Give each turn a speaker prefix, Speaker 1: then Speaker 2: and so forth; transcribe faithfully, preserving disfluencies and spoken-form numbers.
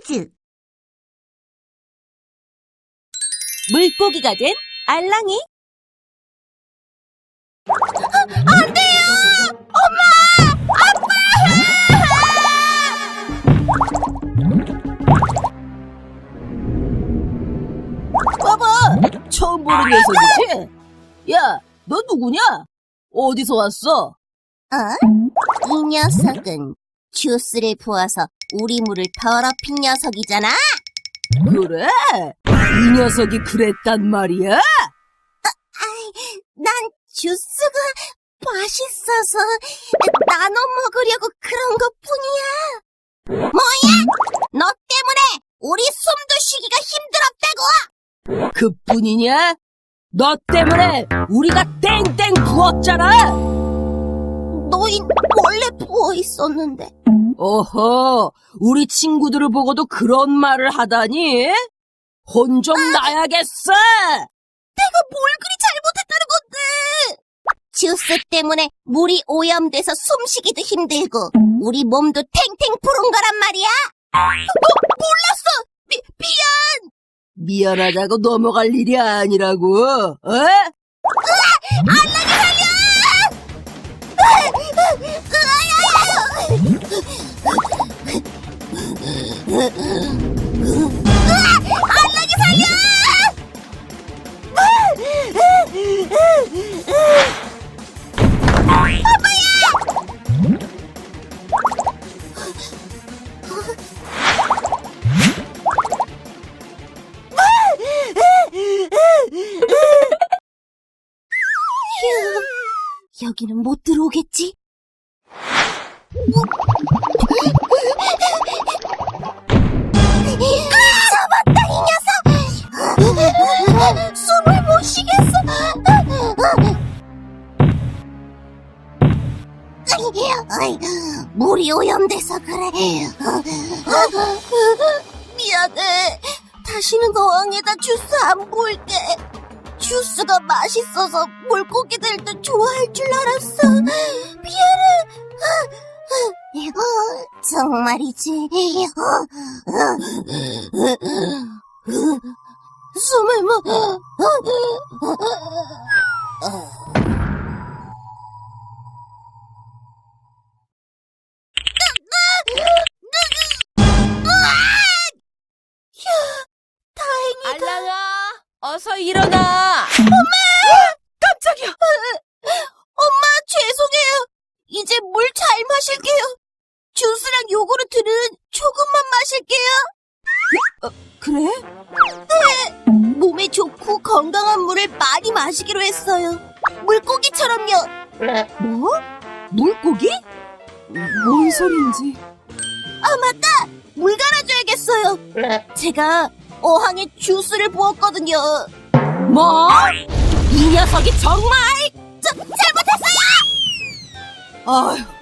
Speaker 1: 퀴즈.
Speaker 2: 물고기가 된 알랑이.
Speaker 1: 안 돼요! 엄마!
Speaker 2: 봐봐, 처음 보는 녀석이지? 야, 너 누구냐? 어디서 왔어?
Speaker 1: 어? 이 녀석은 주스를 부어서 우리 물을 더럽힌 녀석이잖아?
Speaker 2: 그래? 이 녀석이 그랬단 말이야?
Speaker 1: 난 주스가 맛있어서 나눠 먹으려고 그런 것 뿐이야. 뭐야? 너 때문에 우리 숨도 쉬기가 힘들었다고!
Speaker 2: 그뿐이냐? 너 때문에 우리가 땡땡 부었잖아!
Speaker 1: 너흰 원래 부어있었는데.
Speaker 2: 어허, 우리 친구들을 보고도 그런 말을 하다니? 혼 좀 나야겠어!
Speaker 1: 내가 뭘 그리 잘못했다는 건데! 주스 때문에 물이 오염돼서 숨쉬기도 힘들고 우리 몸도 탱탱 부은 거란 말이야. 뭐, 몰랐어! 미, 미안!
Speaker 2: 미안하다고 넘어갈 일이 아니라고, 어?
Speaker 1: 안나게 살려! 안나게 살려! 휴, 여기는 못 들어오겠지? 잡았다, 이 녀석! 숨을 못 쉬겠어. 어이, 물이 오염돼서 그래. 미안해. 다시는 어항에다 주스 안 부을게. 주스가 맛있어서 물고기들도 좋아할 줄 알았어. 미안해. 정말이지. 숨을 못. 다행이다.
Speaker 2: 알랑아, 어서 일어나!
Speaker 1: 깜짝이야. 엄마, 죄송해요. 이제 물 잘 마실게요. 주스랑 요구르트는 조금만 마실게요.
Speaker 2: 그래?
Speaker 1: 네. 몸에 좋고 건강한 물을 많이 마시기로 했어요. 물고기처럼요.
Speaker 2: 뭐? 물고기? 뭔 소린지.
Speaker 1: 아, 맞다. 물 갈아줘야겠어요. 제가 어항에 주스를 부었거든요.
Speaker 2: 뭐? 이 녀석이 정말!
Speaker 1: 저, 잘못했어요!
Speaker 2: 아휴,